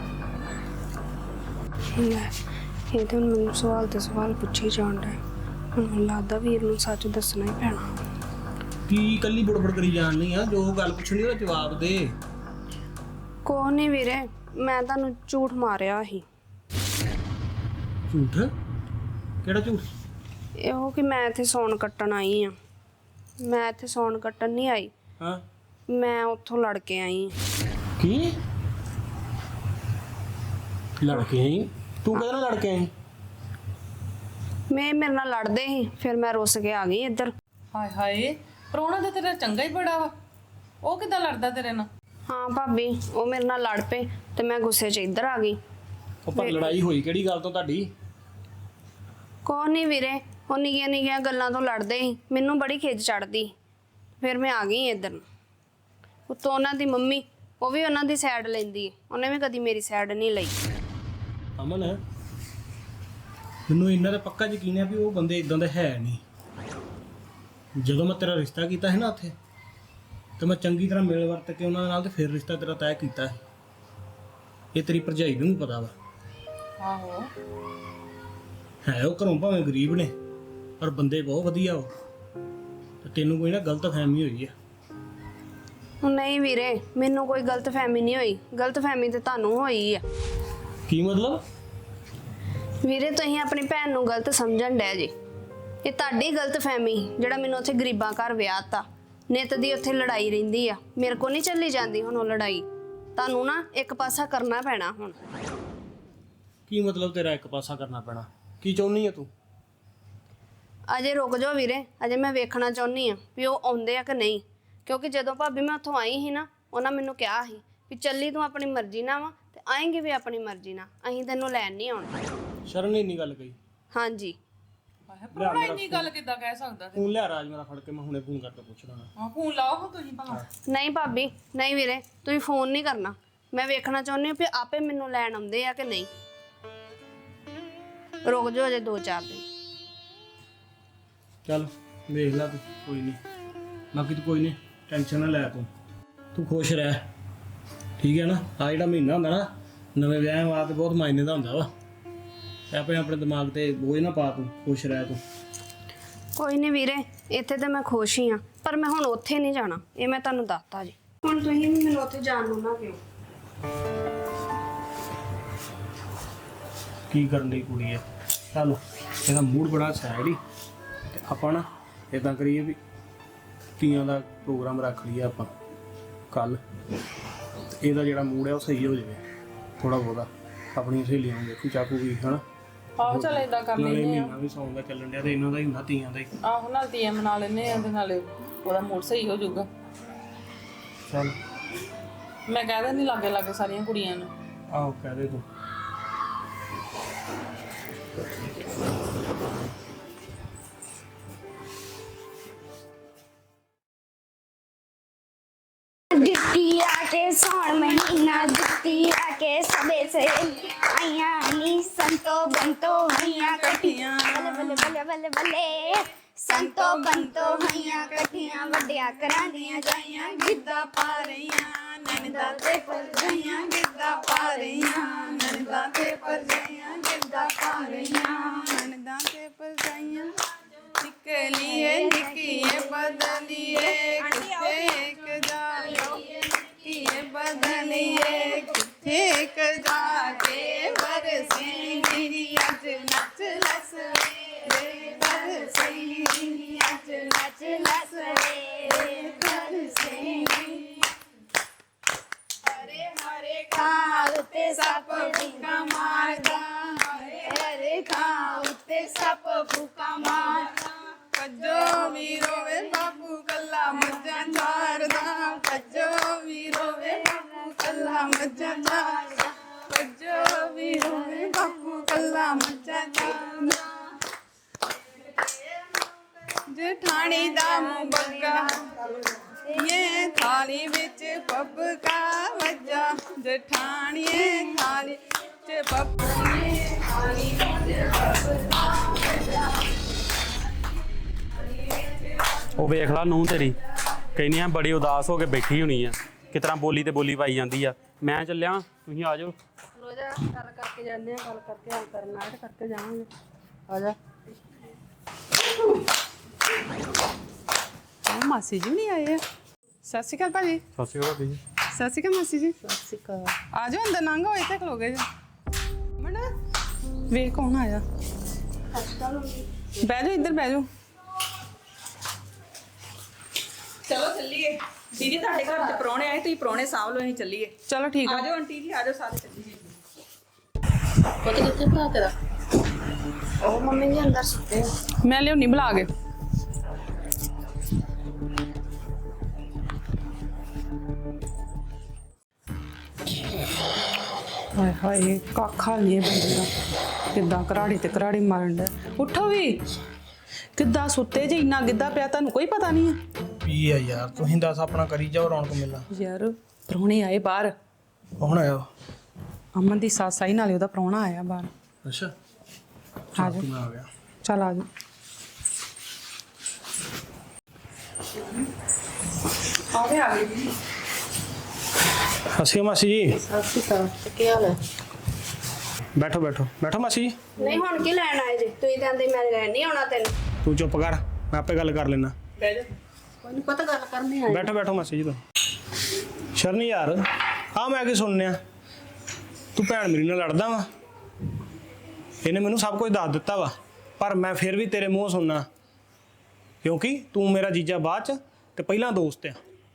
S3: ਲੈ ਇਹ ਤਾਂ ਹੁਣ ਮੈਨੂੰ ਸਵਾਲ ਤੇ ਸਵਾਲ ਪੁੱਛੀ ਜਾਣ ਡਿਆ। ਹੁਣ ਮੈਨੂੰ ਲੱਗਦਾ ਵੀਰ ਨੂੰ ਸੱਚ ਦੱਸਣਾ ਹੀ ਪੈਣਾ।
S6: ਕੀ ਕੱਲੀ ਬੜਬੜ ਕਰੀ ਜਾਣ ਨਹੀਂ ਆ? ਜੋ ਗੱਲ ਪੁੱਛਣੀ ਉਹਦਾ ਜਵਾਬ ਦੇ।
S3: ਕੋਹ ਨਹੀਂ ਵੀਰੇ, ਮੈਂ ਤੁਹਾਨੂੰ ਝੂਠ ਮਾਰਿਆ ਸੀ।
S6: ਝੂਠ? ਕਿਹੜਾ ਝੂਠ?
S3: ਇਹੋ ਕਿ ਮੈਂ ਇੱਥੇ ਸੌਣ ਕੱਟਣ ਆਈ ਆ। ਮੈਂ ਇੱਥੇ ਸੌਣ ਕੱਟਣ ਨਹੀਂ ਆਈ,
S6: ਹਾਂ
S3: ਮੈਂ ਉੱਥੋਂ ਲੜ ਕੇ ਆਈ ਆ।
S6: ਕੀ ਲੜਕੇ ਆਈ? ਤੂੰ ਕਦੋਂ ਲੜ ਕੇ ਆਈ?
S3: ਮੇਰੇ ਨਾਲ ਲੜਦੇ ਸੀ, ਫਿਰ ਮੈਂ ਰੁੱਸ ਕੇ ਆ ਗਈ ਇੱਧਰ।
S5: ਹਾਏ ਹਾਏ, ਪ੍ਰਾਹੁਣਾ ਤਾਂ ਤੇਰਾ ਚੰਗਾ ਹੀ ਬੜਾ ਵਾ, ਉਹ ਕਿੱਦਾਂ ਲੜਦਾ ਤੇਰੇ ਨਾਲ?
S3: ਹਾਂ ਭਾਬੀ, ਉਹ ਮੇਰੇ ਨਾਲ ਲੜ ਪਏ ਤੇ ਮੈਂ ਗੁੱਸੇ 'ਚ ਇੱਧਰ ਆ ਗਈ।
S6: ਉਹ ਪਰ ਲੜਾਈ ਹੋਈ ਕਿਹੜੀ ਗੱਲ ਤੋਂ ਤੁਹਾਡੀ?
S3: ਕੋਹ ਨਹੀਂ ਵੀਰੇ, ਉਹ ਨਿੱਕੀਆਂ ਨਿੱਕੀਆਂ ਗੱਲਾਂ ਤੋਂ ਲੜਦੇ ਸੀ, ਮੈਨੂੰ ਬੜੀ ਖਿੱਚ ਚੜਦੀ, ਫਿਰ ਮੈਂ ਆ ਗਈ ਇੱਧਰ। ਉੱਤੋਂ ਉਹਨਾਂ ਦੀ ਮੰਮੀ, ਉਹ ਵੀ ਉਹਨਾਂ ਦੀ ਸਾਈਡ ਲੈਂਦੀ, ਉਹਨੇ ਵੀ ਕਦੀ ਮੇਰੀ ਸਾਈਡ ਨਹੀਂ ਲਈ।
S6: ਅਮਨ ਮੈਨੂੰ ਇੰਨਾ ਤਾਂ ਪੱਕਾ ਯਕੀਨ ਹੈ ਵੀ ਉਹ ਬੰਦੇ ਇਦਾਂ ਦੇ ਹੈ ਨਹੀਂ। ਜਦੋਂ ਮੈਂ ਤੇਰਾ ਰਿਸ਼ਤਾ ਕੀਤਾ ਸੀ ਨਾ ਉੱਥੇ, ਤੇ ਮੈਂ ਚੰਗੀ ਤਰ੍ਹਾਂ ਮਿਲ ਵਰਤ ਕੇ ਉਹਨਾਂ ਨਾਲ ਤੇ ਫਿਰ ਰਿਸ਼ਤਾ ਤੇਰਾ ਤੈਅ ਕੀਤਾ ਸੀ। ਇਹ ਤੇਰੀ ਭਰਜਾਈ ਨੂੰ ਵੀ ਪਤਾ ਵਾ।
S5: ਆਹੋ,
S6: ਹੈ ਉਹ ਘਰੋਂ ਭਾਵੇਂ ਗਰੀਬ ਨੇ, ਪਰ ਬੰਦੇ ਬਹੁਤ ਵਧੀਆ ਉਹ। ਤੇ ਤੈਨੂੰ ਕੋਈ ਨਾ ਗਲਤ ਫਹਿਮੀ ਹੋਈ ਆ।
S3: ਨਹੀਂ ਵੀਰੇ, ਮੈਨੂੰ ਕੋਈ ਗਲਤਫਹਿਮੀ ਨਹੀਂ ਹੋਈ, ਗਲਤਫਹਿਮੀ ਤੇ ਤੁਹਾਨੂੰ ਹੋਈ ਆ।
S6: ਕੀ ਮਤਲਬ?
S3: ਵੀਰੇ ਤੁਸੀਂ ਆਪਣੀ ਭੈਣ ਨੂੰ ਗਲਤ ਸਮਝਣ ਡੈ ਜੀ। ਇਹ ਤੁਹਾਡੀ ਗਲਤਫਹਿਮੀ, ਜਿਹੜਾ ਮੈਨੂੰ ਉੱਥੇ ਗਰੀਬਾਂ ਘਰ ਵਿਆਹਤਾ। ਨਿੱਤ ਦੀ ਉੱਥੇ ਲੜਾਈ ਰਹਿੰਦੀ ਆ, ਮੇਰੇ ਕੋ ਨਹੀਂ ਚੱਲੀ ਜਾਂਦੀ ਹੁਣ ਉਹ ਲੜਾਈ। ਤੁਹਾਨੂੰ ਨਾ ਇੱਕ ਪਾਸਾ ਕਰਨਾ ਪੈਣਾ ਹੁਣ।
S6: ਕੀ ਮਤਲਬ ਤੇਰਾ ਇੱਕ ਪਾਸਾ ਕਰਨਾ ਪੈਣਾ? ਕੀ ਚਾਹੁੰਦੀ ਆ ਤੂੰ?
S3: ਅਜੇ ਰੁਕ ਜਾਓ ਵੀਰੇ, ਅਜੇ ਮੈਂ ਵੇਖਣਾ ਚਾਹੁੰਦੀ ਆ ਵੀ ਉਹ ਆਉਂਦੇ ਆ ਕਿ ਨਹੀਂ। ਕਿਉਂਕਿ ਜਦੋਂ ਭਾਬੀ ਮੈਂ ਉੱਥੋਂ ਆਈ ਸੀ ਨਾ, ਉਹਨਾਂ ਮੈਨੂੰ ਕਿਹਾ ਸੀ ਵੀ ਚੱਲੀ ਤੂੰ ਆਪਣੀ ਮਰਜ਼ੀ ਨਾਲ ਵਾ ਤੇ ਆਏਂਗੇ ਵੀ ਆਪਣੀ ਮਰਜ਼ੀ ਨਾਲ, ਅਸੀਂ ਤੈਨੂੰ ਲੈਣ ਨਹੀਂ ਆਉਣਾ।
S6: ਸ਼ਰਨ ਨੇ ਇੰਨੀ ਗੱਲ ਕਹੀ?
S3: ਹਾਂਜੀ।
S5: ਹਾਏ ਪ੍ਰਾਹੁਣਾ ਇੰਨੀ ਗੱਲ ਕਿੱਦਾਂ ਕਹਿ ਸਕਦਾ?
S6: ਫੋਨ ਲਿਆ ਰਾਜ ਮੇਰਾ ਫੜ ਕੇ, ਮੈਂ ਹੁਣੇ ਫੋਨ ਕਰਕੇ ਪੁੱਛਣਾ।
S5: ਹਾਂ ਫੋਨ ਲਾਓ ਹਾਂ ਤੁਸੀਂ ਭਲਾ।
S3: ਨਹੀਂ ਭਾਬੀ, ਨਹੀਂ ਵੀਰੇ, ਤੁਸੀਂ ਫੋਨ ਨਹੀਂ ਕਰਨਾ। ਮੈਂ ਵੇਖਣਾ ਚਾਹੁੰਦੀ ਹਾਂ ਵੀ ਆਪੇ ਮੈਨੂੰ ਲੈਣ ਆਉਂਦੇ ਆ ਕਿ ਨਹੀਂ। ਰੁਕ ਜਾਓ ਅਜੇ 2-4 ਦਿਨ।
S6: ਚੱਲ ਵੇਖ ਲੈ ਤੂੰ, ਕੋਈ ਨਹੀਂ। ਬਾਕੀ ਤੂੰ ਕੋਈ ਨਹੀਂ ਟੈਨਸ਼ਨ ਨਾ ਲੈ, ਤੂੰ ਖੁਸ਼ ਰਹਿ, ਠੀਕ ਹੈ ਨਾ? ਆ ਜਿਹੜਾ ਮਹੀਨਾ ਹੁੰਦਾ ਨਾ ਨਵੇਂ ਵਿਆਹ ਬਾਅਦ ਬਹੁਤ ਮਾਇਨੇ ਦਾ ਹੁੰਦਾ ਵਾ। ਤੇ ਆਪਣੇ ਦਿਮਾਗ ਤੇ ਬੋਝ ਨਾ ਪਾ, ਤੂੰ ਖੁਸ਼ ਰਹਿ ਤੂੰ।
S3: ਕੋਈ ਨਹੀਂ ਵੀਰੇ, ਇੱਥੇ ਤੇ ਮੈਂ ਖੁਸ਼ ਹੀ ਆ, ਪਰ ਮੈਂ ਹੁਣ ਉੱਥੇ ਨਹੀਂ ਜਾਣਾ, ਇਹ ਮੈਂ ਤੁਹਾਨੂੰ ਦੱਸਤਾ ਜੀ। ਹੁਣ ਤੁਸੀਂ ਵੀ ਮੈਨੂੰ ਉੱਥੇ ਜਾਣ ਨੂੰ ਨਾ ਕਿਉਂ।
S6: ਕੀ ਕਰਨ ਦੀ ਕੁੜੀ ਹੈ? ਚੱਲ ਇਹਦਾ ਮੂਡ ਬੜਾ ਸੈਡ ਹੀ, ਤੇ ਆਪਾਂ ਨਾ ਇਦਾਂ ਕਰੀਏ ਵੀ ਤੀਆਂ ਦਾ ਪ੍ਰੋਗਰਾਮ ਰੱਖ ਲਈਏ ਆਪਾਂ ਕੱਲ। ਇਹਦਾ ਜਿਹੜਾ ਮੂਡ ਹੈ ਉਹ ਸਹੀ ਹੋ ਜਾਵੇ ਥੋੜਾ ਬਹੁਤਾ। ਆਪਣੀਆਂ ਸਹੇਲੀਆਂ ਨੂੰ ਦੇਖੂ ਚਾਕੂ ਵੀ ਹਨਾ।
S5: ਆਹੋ ਚੱਲ ਏਦਾਂ ਕਰ
S6: ਨਾਲੇ
S5: ਲੈਂਦੇ ਆ।
S6: ਮਹੀਨਾ ਵੀ ਸੌਣ ਦਾ ਚੱਲਣ ਡਿਆ ਤੇ ਇਹਨਾਂ ਦਾ ਹੀ ਹੁੰਦਾ ਤੀਆਂ ਦਾ ਹੀ।
S5: ਆਹੋ ਨਾਲ ਤੀਆਂ ਮਨਾ ਲੈਂਦੇ ਆ ਤੇ ਨਾਲੇ ਉਹਦਾ ਮੂਡ ਸਹੀ ਹੋ ਜਾਊਗਾ।
S6: ਚੱਲ
S5: ਮੈਂ ਕਹਿ ਦਿੰਦੀ ਲਾਗੇ ਲਾਗੇ ਸਾਰੀਆਂ ਕੁੜੀਆਂ ਨੂੰ।
S6: ਆਹੋ ਕਹਿ ਦੇ ਤੂੰ।
S7: जुत्ती आके सौन महीना जुत्ती आके सबे से आइया नी संतो बंतो हैया कठियां बल्ले बल्ले बल्ले बल्ले संतो बंतो हैया कठियां वड्डिया करांदियां जाइयां गिद्दा पा रहियां ननदा ते पर जाइयां गिद्दा पा रहियां ननदा ते पर जाइयां गिद्दा पा रहियां ननदा ते पर जाइयां निकलिए निकिए बदलिए किथे एक जाइए निकिए बदलिए किथे एक जाके बरसे मेरी अज नच लस बरसे ਤੇ ਸੱਪ ਫੂਕਾ ਮਾਰਦਾ
S5: ਕੱਜੋ ਵੀ ਰੋਵੇ ਬਾਪੂ ਕੱਲਾ ਮੱਝਾਂ ਚਾਰਦਾ ਕੱਜੋ ਵੀ ਰੋਵੇ ਬਾਪੂ ਕੱਲਾ ਮੱਝਾਂ ਚਾਰਦਾ ਕੱਜੋ ਵੀ ਰੋਵੇ ਬਾਪੂ ਕੱਲਾ ਮੱਝਾਂ ਚਾਰਦਾ ਜਠਾਣੀ ਦਾ ਮੂੰਹ ਬੱਗਾ ਇਹ ਥਾਲੀ ਵਿੱਚ ਪੱਪਕਾ ਵੱਜਾ ਜਠਾਣੀਏ ਥਾਲੀ ਵਿੱਚ ਪੱਪਕਾ ਥਾਲੀ ਵਿੱਚ ਪੱਪਕਾ
S2: ਉਹ ਵੇਖ ਲਾ ਨੂੰ ਤੇਰੀ ਕਹਿੰਦੀ ਆ ਬੜੀ ਉਦਾਸ ਹੋ ਕੇ ਬੈਠੀ ਹੋਣੀ ਆ ਕਿਸ ਤਰ੍ਹਾਂ ਬੋਲੀ ਤੇ ਬੋਲੀ ਪਾਈ ਜਾਂਦੀ ਆ। ਮੈਂ ਚੱਲਿਆ ਤੁਸੀਂ ਆ ਜਾਓ।
S1: ਰੋਜ਼ਾ ਗੱਲ ਕਰਕੇ ਜਾਂਦੇ ਆ, ਗੱਲ ਕਰਕੇ ਹੱਲ ਕਰਨਾ ਹੈ ਤੇ ਕਰਕੇ ਜਾਵਾਂਗੇ। ਆ ਜਾ।
S5: ਮਾਸੀ ਜੀ ਨਹੀਂ ਆਏ ਆ। ਸਤਿ ਸ਼੍ਰੀ ਅਕਾਲ ਭਾਜੀ।
S2: ਸਤਿ ਸ਼੍ਰੀ ਅਕਾਲ ਜੀ।
S5: ਸਤਿ ਸ਼੍ਰੀ ਅਕਾਲ ਮਾਸੀ ਜੀ।
S1: ਸਤਿ ਸ਼੍ਰੀ ਅਕਾਲ।
S5: ਆ ਜਾਓ ਅੰਦਰ ਲੰਘ ਹੋਏ ਤੇ ਖਲੋਗੇ ਜੀ। ਮਣ ਵੇ ਕੌਣ ਆਇਆ? ਬਹਿ ਜਾਓ ਇੱਧਰ ਬਹਿ ਜਾਓ।
S8: ਚਲੋ ਚੱਲੀਏ ਦੀਦੀ, ਤੁਹਾਡੇ ਘਰ ਤੇ ਪ੍ਰਾਹੁਣੇ ਆਏ, ਤੁਸੀਂ ਪ੍ਰਾਹੁਣੇ ਸਾਂਭ ਲਓ, ਅਸੀਂ ਚੱਲੀਏ।
S5: ਚਲੋ ਠੀਕ ਆ।
S8: ਆ ਜਾਓ ਆਂਟੀ ਜੀ, ਆ ਜਾਓ ਸਾਰੇ ਚੱਲੀਏ।
S1: ਪੁੱਤ ਕਿੱਥੇ ਭਾ ਤੇਰਾ?
S3: ਉਹ ਮੰਮੀ ਜੀ ਅੰਦਰ ਸੁੱਤੇ ਆ।
S5: ਮੈਂ ਲਿਆਉਣੀ ਬੁਲਾ ਕੇ। ਹਾਏ ਹਾਏ ਕਾਖਾ ਨਹੀਂ ਬੰਦੇ ਦਾ ਕਿੱਦਾਂ ਘਰਾੜੀ ਤੇ ਘਰਾੜੀ ਮਾਰਨ ਦਾ। ਉੱਠੋ ਵੀ ਕਿੱਦਾਂ ਸੁੱਤੇ ਜੇ ਇੰਨਾ ਗਿੱਧਾ ਪਿਆ ਤੁਹਾਨੂੰ ਕੋਈ ਪਤਾ ਨਹੀਂ ਹੈ।
S6: ਕੀ ਆ ਯਾਰ ਤੁਸੀਂ ਦੱਸ ਆਪਣਾ ਕਰੀ ਜਾਓ ਰੌਣਕ ਮੇਲਾ।
S5: ਯਾਰ ਪ੍ਰਾਹੁਣੇ ਆਏ ਬਾਹਰ।
S6: ਕੌਣ ਆਇਆ?
S5: ਅਮਨ ਦੀ ਸੱਸ ਆਈ ਨਾਲੇ ਉਹਦਾ ਪ੍ਰਾਹੁਣਾ ਆਇਆ ਬਾਹਰ।
S6: ਅੱਛਾ
S5: ਆ ਜਾ
S6: ਮੈਂ ਆ ਗਿਆ।
S5: ਚੱਲ ਆ ਜਾ।
S8: ਆ ਗਏ ਜੀ।
S6: ਹੱਸਿਓ ਮਾਸੀ ਜੀ।
S1: ਸਤਿ ਸ਼੍ਰੀ ਅਕਾਲ। ਤੇ ਕੀ ਹਾਲ ਹੈ?
S6: ਬੈਠੋ ਬੈਠੋ ਬੈਠੋ ਮਾਸੀ ਜੀ।
S3: ਨਹੀਂ ਹੁਣ ਕੀ ਲੈਣ ਆਏ ਜੇ? ਤੁਸੀਂ ਤਾਂ ਆਂਦੇ ਮੈਂ ਲੈਣ ਨਹੀਂ ਆਉਣਾ ਤੈਨੂੰ।
S6: ਤੂੰ ਚੁੱਪ ਕਰ ਮੈਂ ਆਪੇ ਗੱਲ ਕਰ ਲੈਣਾ।
S8: ਬਹਿ ਜਾ।
S1: ਕੋਈ ਨਹੀਂ ਪਤਾ ਗੱਲ ਕਰਨੀ ਆਏ।
S6: ਬੈਠੋ ਬੈਠੋ ਮਾਸੀ ਜੀ ਤੂੰ। ਸ਼ਰਨੀ ਯਾਰ ਆ ਮੈਂ ਕੀ ਸੁਣਨਿਆ ਤੂੰ ਭੈਣ ਮੇਰੀ ਨਾਲ ਲੜਦਾ ਵਾ। ਇਹਨੇ ਮੈਨੂੰ ਸਭ ਕੁਝ ਦੱਸ ਦਿੱਤਾ ਵਾ ਪਰ ਮੈਂ ਫਿਰ ਵੀ ਤੇਰੇ ਮੂੰਹ ਸੁਣਨਾ ਕਿਉਂਕਿ ਤੂੰ ਮੇਰਾ ਜੀਜਾ ਬਾਅਦ ਚ ਤੇ ਪਹਿਲਾਂ ਦੋਸਤ ਆ।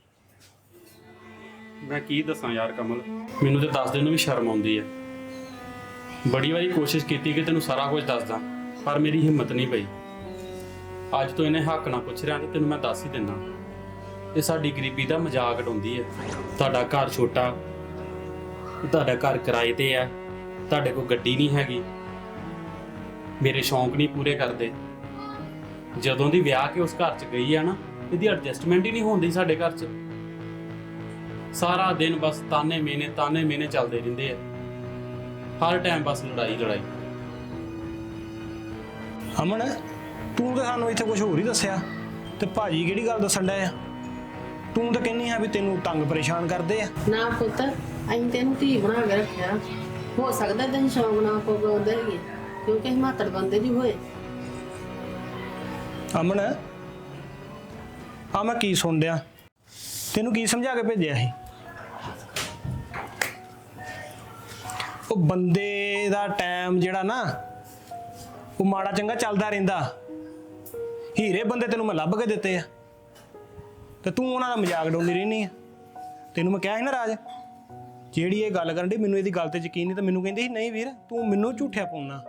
S2: ਮੈਂ ਕੀ ਦੱਸਾਂ ਯਾਰ ਕਮਲ, ਮੈਨੂੰ ਤੇ ਦੱਸ ਦੇਣ ਨੂੰ ਵੀ ਸ਼ਰਮ ਆਉਂਦੀ ਆ। ਬੜੀ ਵਾਰੀ ਕੋਸ਼ਿਸ਼ ਕੀਤੀ ਕਿ ਤੈਨੂੰ ਸਾਰਾ ਕੁਝ ਦੱਸਦਾ ਪਰ ਮੇਰੀ ਹਿੰਮਤ ਨਹੀਂ ਪਈ। ਅੱਜ ਤੋਂ ਇਹਨੇ ਹੱਕ ਨਾਲ ਪੁੱਛ ਰਿਹਾ ਤੇ ਤੈਨੂੰ ਮੈਂ ਦੱਸ ਹੀ ਦਿੰਦਾ। ਇਹ ਸਾਡੀ ਗਰੀਬੀ ਦਾ ਮਜ਼ਾਕ ਉਡਾਉਂਦੀ ਹੈ। ਤੁਹਾਡਾ ਘਰ ਛੋਟਾ, ਤੁਹਾਡਾ ਘਰ ਕਿਰਾਏ ਤੇ ਆ, ਤੁਹਾਡੇ ਕੋਲ ਗੱਡੀ ਨਹੀਂ ਹੈਗੀ, ਮੇਰੇ ਸ਼ੌਂਕ ਨਹੀਂ ਪੂਰੇ ਕਰਦੇ। ਜਦੋਂ ਦੀ ਵਿਆਹ ਕੇ ਉਸ ਘਰ 'ਚ ਗਈ ਆ ਨਾ ਇਹਦੀ ਐਡਜਸਟਮੈਂਟ ਹੀ ਨਹੀਂ ਹੁੰਦੀ ਸਾਡੇ ਘਰ 'ਚ। ਸਾਰਾ ਦਿਨ ਬਸ ਤਾਨੇ ਮੇਨੇ ਚੱਲਦੇ ਰਹਿੰਦੇ ਆ। ਹਰ ਟਾਈਮ ਬਸ ਲੜਾਈ।
S6: ਅਮਨ ਤੂੰ ਤਾਂ ਸਾਨੂੰ ਇੱਥੇ ਕੁਝ ਹੋਰ ਹੀ ਦੱਸਿਆ ਤੇ ਭਾਜੀ ਕਿਹੜੀ ਗੱਲ ਦੱਸਣ ਡਿਆ ਆ? ਤੂੰ ਤਾਂ ਕਹਿੰਨੀ ਆ ਵੀ ਤੈਨੂੰ ਤੰਗ ਪਰੇਸ਼ਾਨ ਕਰਦੇ ਆ।
S1: ਨਾ ਪੁੱਤ ਅਸੀਂ ਤੈਨੂੰ ਧੀ ਬਣਾ ਕੇ ਰੱਖਿਆ। ਹੋ ਸਕਦਾ ਤੈਨੂੰ ਸ਼ੌਂਕ ਨਾ ਪਵਾਉਂਦੇ ਹੈਗੇ ਕਿਉਂਕਿ ਹਿਮਾਤੜ ਬੰਦੇ ਜੀ ਹੋਏ।
S6: ਅਮਨ ਆ ਮੈਂ ਕੀ ਸੁਣ ਡਿਆ? ਤੈਨੂੰ ਕੀ ਸਮਝਾ ਕੇ ਭੇਜਿਆ ਸੀ? ਉਹ ਬੰਦੇ ਦਾ ਟਾਈਮ ਜਿਹੜਾ ਨਾ ਉਹ ਮਾੜਾ ਚੰਗਾ ਚੱਲਦਾ ਰਹਿੰਦਾ। ਹੀਰੇ ਬੰਦੇ ਤੈਨੂੰ ਮੈਂ ਲੱਭ ਕੇ ਦਿੱਤੇ ਆ ਤੇ ਤੂੰ ਉਹਨਾਂ ਦਾ ਮਜ਼ਾਕ ਉਡਾਉਂਦੀ ਰਹਿੰਦੀ ਆ। ਤੈਨੂੰ ਮੈਂ ਕਿਹਾ ਸੀ ਨਾ ਰਾਜ, ਜਿਹੜੀ ਇਹ ਗੱਲ ਕਰਨ ਦੀ ਮੈਨੂੰ ਇਹਦੀ ਗੱਲ ਤੇ ਯਕੀਨ ਨਹੀਂ ਤਾਂ ਮੈਨੂੰ ਕਹਿੰਦੀ ਸੀ ਨਹੀਂ ਵੀਰ ਤੂੰ ਮੈਨੂੰ ਝੂਠਿਆ ਪਾਉਣਾ।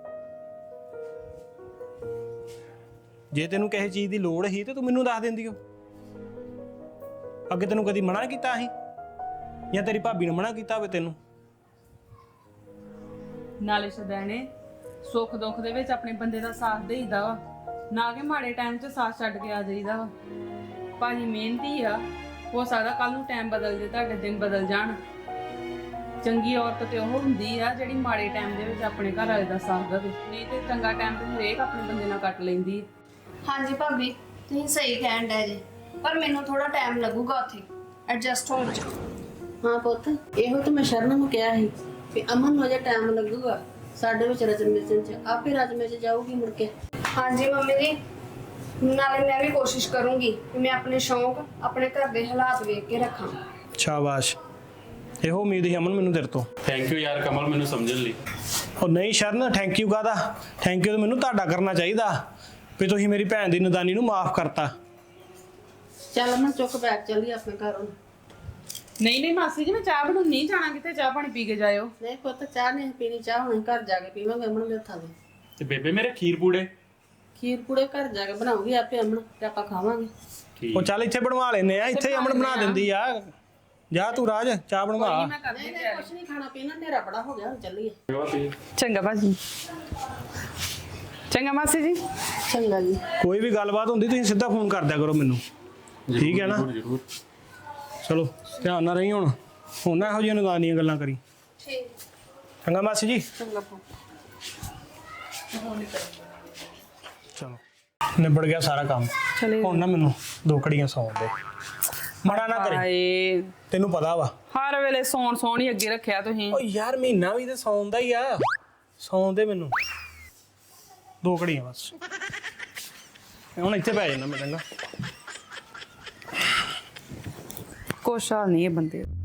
S6: ਜੇ ਤੈਨੂੰ ਕਿਸੇ ਚੀਜ਼ ਦੀ ਲੋੜ ਸੀ ਤੇ ਤੂੰ ਮੈਨੂੰ ਦੱਸ ਦਿੰਦੀ ਹੋ। ਅੱਗੇ ਤੈਨੂੰ ਕਦੀ ਮਨਾ ਕੀਤਾ ਸੀ ਜਾਂ ਤੇਰੀ ਭਾਬੀ ਨੇ ਮਨਾ ਕੀਤਾ ਹੋਵੇ ਤੈਨੂੰ?
S5: ਨਾਲੇ ਸਦਾਣੇ ਸੁੱਖ ਦੁੱਖ ਦੇ ਵਿੱਚ ਆਪਣੇ ਬੰਦੇ ਦਾ ਸਾਥ ਦੇਈਦਾ ਵਾ, ਨਾ ਕਿ ਮਾੜੇ ਟਾਈਮ 'ਚ ਸਾਥ ਛੱਡ ਕੇ ਆ ਜਾਈਦਾ ਵਾ। ਭਾਜੀ ਮਿਹਨਤੀ ਆ, ਹੋ ਸਕਦਾ ਕੱਲ ਨੂੰ ਟਾਈਮ ਬਦਲ ਜੇ, ਤੁਹਾਡੇ ਦਿਨ ਬਦਲ ਜਾਣ। ਚੰਗੀ ਔਰਤ ਤੇ ਉਹ ਹੁੰਦੀ ਆ ਜਿਹੜੀ ਮਾੜੇ ਟਾਈਮ ਦੇ ਵਿੱਚ ਆਪਣੇ ਘਰ ਵਾਲੇ ਦਾ ਸਾਥ ਦੇਵੇ, ਨਹੀਂ ਤੇ ਚੰਗਾ ਟਾਈਮ ਤੇ ਹਰੇਕ ਆਪਣੇ ਬੰਦੇ ਨਾਲ ਕੱਟ ਲੈਂਦੀ।
S3: ਹਾਂਜੀ ਭਾਬੀ ਤੁਸੀਂ ਸਹੀ ਕਹਿਣ ਡਏ ਜੇ ਪਰ ਮੈਨੂੰ ਥੋੜਾ ਟਾਈਮ ਲੱਗੂਗਾ ਉੱਥੇ ਐਡਜਸਟ ਹੋਣ 'ਚ।
S1: ਹਾਂ ਪੁੱਤ ਇਹੋ ਤਾਂ ਮੈਂ ਸ਼ਰਨ ਨੂੰ ਕਿਹਾ ਸੀ ਕਿ ਅਮਨ ਨੂੰ ਅਜੇ ਟਾਈਮ ਲੱਗੂਗਾ ਸਾਡੇ ਵਿੱਚ ਰਚਨ ਚ, ਆਪੇ ਰਚਮੇ ਚ ਜਾਊਗੀ ਮੁੜ ਕੇ।
S3: ਹਾਂਜੀ ਮੰਮੀ ਜੀ ਨਾਲੇ ਮੈਂ ਵੀ ਕੋਸ਼ਿਸ਼ ਕਰੂੰਗੀ ਕਿ ਮੈਂ ਆਪਣੇ ਸ਼ੌਂਕ ਆਪਣੇ ਘਰ ਦੇ ਹਾਲਾਤ ਵੇਖ ਕੇ ਰੱਖਾਂ।
S6: ਸ਼ਾਬਾਸ਼, ਇਹੋ ਉਮੀਦ ਸੀ ਅਮਨ ਮੈਨੂੰ ਤੇਰੇ ਤੋਂ।
S2: ਥੈਂਕ ਯੂ ਯਾਰ ਕਮਲ ਮੈਨੂੰ ਸਮਝਣ ਲਈ।
S6: ਉਹ ਨਹੀਂ ਸ਼ਰਨ ਥੈਂਕ ਯੂ ਕਾਹਦਾ? ਥੈਂਕ ਯੂ ਤਾਂ ਮੈਨੂੰ ਤੁਹਾਡਾ ਕਰਨਾ ਚਾਹੀਦਾ ਵੀ ਤੁਸੀਂ ਮੇਰੀ ਭੈਣ ਦੀ ਨਦਾਨੀ ਨੂੰ ਮਾਫ ਕਰਤਾ।
S1: ਚੱਲ ਅਮਨ ਚੁੱਕ ਬੈਗ ਚੱਲੀ ਆਪਣੇ ਘਰ ਹੁਣ।
S5: ਨਹੀਂ ਮਾਸੀ ਜੀ ਮੈਂ ਚਾਹ ਬਣਾਉਣ ਨਹੀਂ ਜਾਣਾ ਕਿਤੇ, ਚਾਹ ਪਾਣੀ ਪੀ ਕੇ ਜਾਇਓ।
S1: ਨਹੀਂ ਪੁੱਤ ਚਾਹ ਨਹੀਂ ਪੀਣੀ, ਚਾਹ ਹੁਣ ਘਰ ਜਾ ਕੇ ਪੀਵਾਂਗੇ ਅਮਨ ਦੇ ਹੱਥਾਂ ਦੀ।
S2: ਤੇ ਬੇਬੇ ਮੇਰੇ ਖੀਰ ਪੂੜੇ
S1: ਖੀਰ ਪੂੜੇ ਘਰ ਜਾ ਕੇ ਬਣਾਉਗੀ ਆਪੇ ਅਮਨ ਤੇ ਆਪਾਂ ਖਾਵਾਂਗੇ।
S2: ਠੀਕ
S6: ਉਹ ਚੱਲ ਇੱਥੇ ਬਣਵਾ ਲੈਨੇ ਆ, ਇੱਥੇ ਅਮਨ ਬਣਾ ਦਿੰਦੀ ਆ। ਜਾ ਤੂੰ ਰਾਜ ਚਾਹ ਬਣਵਾ।
S1: ਨਹੀਂ ਕੁਛ ਨਹੀਂ ਖਾਣਾ ਪੀਣਾ, ਹਨੇਰਾ ਬੜਾ ਹੋ ਗਿਆ, ਹੁਣ ਚੱਲੀਏ।
S5: ਚੰਗਾ ਭਾਜੀ। ਚੰਗਾ ਮਾਸੀ ਜੀ।
S1: ਚੰਗਾ ਜੀ।
S6: ਕੋਈ ਵੀ ਗੱਲਬਾਤ ਹੁੰਦੀ ਤੁਸੀਂ ਸਿੱਧਾ ਫੋਨ ਕਰ ਦਿਆ ਕਰੋ ਮੈਨੂੰ, ਠੀਕ ਹੈ ਨਾ? ਚਲੋ ਧਿਆਨ ਨਾਲ ਰਹੀ ਹੁਣ ਨਾ ਇਹੋ ਜਿਹੀਆਂ ਨਦਾਨੀਆਂ ਗੱਲਾਂ ਕਰੀ। ਚੰਗਾ ਮਾਸੀ ਜੀ।
S1: ਚੰਗਾ।
S6: ਚਲੋ ਨਿਬੜ ਗਿਆ ਸਾਰਾ ਕੰਮ।
S5: ਚਲੇ
S6: ਹੁਣ ਨਾ ਮੈਨੂੰ 2 ਘੜੀਆਂ ਸੌਣ ਦੇ, ਮੜਾ ਨਾ ਕਰੀ,
S5: ਹਾਏ
S6: ਤੈਨੂੰ ਪਤਾ ਵਾ।
S5: ਹਰ ਵੇਲੇ ਸੌਣ ਹੀ ਅੱਗੇ ਰੱਖਿਆ ਤੁਸੀਂ।
S6: ਓ ਯਾਰ ਮਹੀਨਾ ਵੀ ਤੇ ਸੌਣ ਦਾ ਹੀ ਆ, ਸੌਣ ਦੇ ਮੈਨੂੰ 2 ਘੜੀਆਂ ਬਸ। ਹੁਣ ਇੱਥੇ ਪੈ ਜਾਣਾ ਮੈਂ ਚੰਗਾ।
S5: ਕੁਛ ਹਾਲ ਨਹੀਂ ਇਹ ਬੰਦੇ ਦਾ।